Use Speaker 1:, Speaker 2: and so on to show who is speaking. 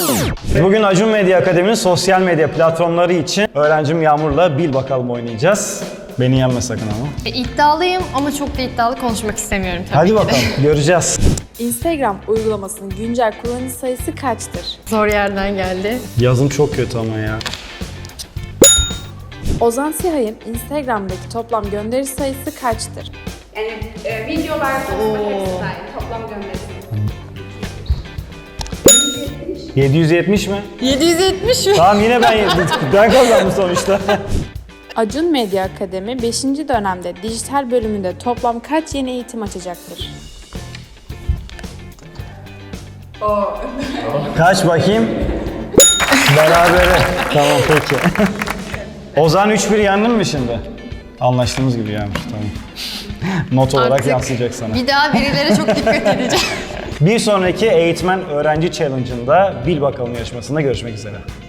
Speaker 1: Bugün Acun Medya Akademi'nin sosyal medya platformları için öğrencim Yağmur'la bil bakalım oynayacağız. Beni yenme sakın ama.
Speaker 2: İddialıyım ama çok da iddialı konuşmak istemiyorum tabii
Speaker 1: Hadi
Speaker 2: ki de.
Speaker 1: bakalım göreceğiz.
Speaker 3: Instagram uygulamasının güncel kullanıcı sayısı kaçtır?
Speaker 2: Zor yerden geldi.
Speaker 1: Yazım çok kötü ama ya.
Speaker 3: Ozan Sihay'ın Instagram'daki toplam gönderi sayısı kaçtır?
Speaker 4: Yani videolar konusunda hepsi dahil. Toplam gönderisi.
Speaker 1: 770 mi?
Speaker 2: 770 mi?
Speaker 1: Tamam yine ben kazandım sonuçta.
Speaker 3: Acun Medya Akademi 5. dönemde dijital bölümünde toplam kaç yeni eğitim açacaktır?
Speaker 1: Kaç bakayım? Berabere. Tamam peki. Ozan 3-1 yendin mi şimdi? Anlaştığımız gibi yenmiş tamam. Not olarak
Speaker 2: Artık
Speaker 1: yansıyacak sana.
Speaker 2: bir daha birilere çok dikkat edeceğim.
Speaker 1: Bir sonraki Eğitmen Öğrenci Challenge'ında Bil Bakalım yarışmasında görüşmek üzere.